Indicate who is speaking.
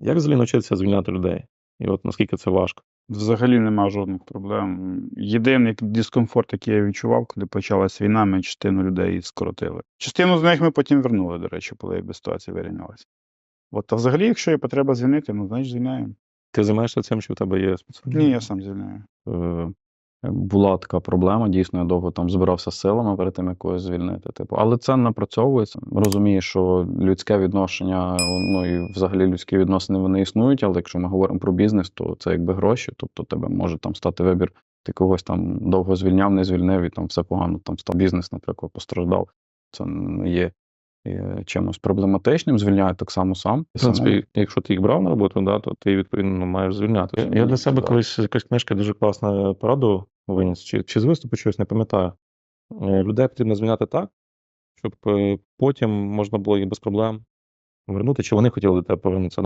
Speaker 1: Як взагалі навчитися звільняти людей? І от наскільки це важко?
Speaker 2: Взагалі нема жодних проблем. Єдиний дискомфорт, який я відчував, коли почалась війна, ми частину людей скоротили. Частину з них ми потім вернули, до речі, коли якби ситуація вирівнялася. От, а взагалі, якщо є потреба звільнити, ну, значить звільняємо.
Speaker 1: Ти займаєшся цим, що в тебе є спеціальні?
Speaker 2: Ні, я сам звільняю.
Speaker 3: Була така проблема, дійсно, я довго там збирався з силами перед тим, як когось звільнити. Типу. Але це напрацьовується. Розумію, що людське відношення, ну і взагалі людські відносини вони існують, але якщо ми говоримо про бізнес, то це якби гроші, тобто тебе може там стати вибір, ти когось там довго звільняв, не звільнив, і там все погано, там став бізнес, наприклад, постраждав. Це не є чимось проблематичним, звільняю так само сам.
Speaker 1: В принципі, якщо ти їх брав на роботу, да, то ти, відповідно, маєш звільняти. Я для себе колись якась книжка дуже класна пораду виніс, чи з виступу чогось, не пам'ятаю. Людей потрібно звільняти так, щоб потім можна було їх без проблем вернути, чи вони хотіли до тебе повернутися.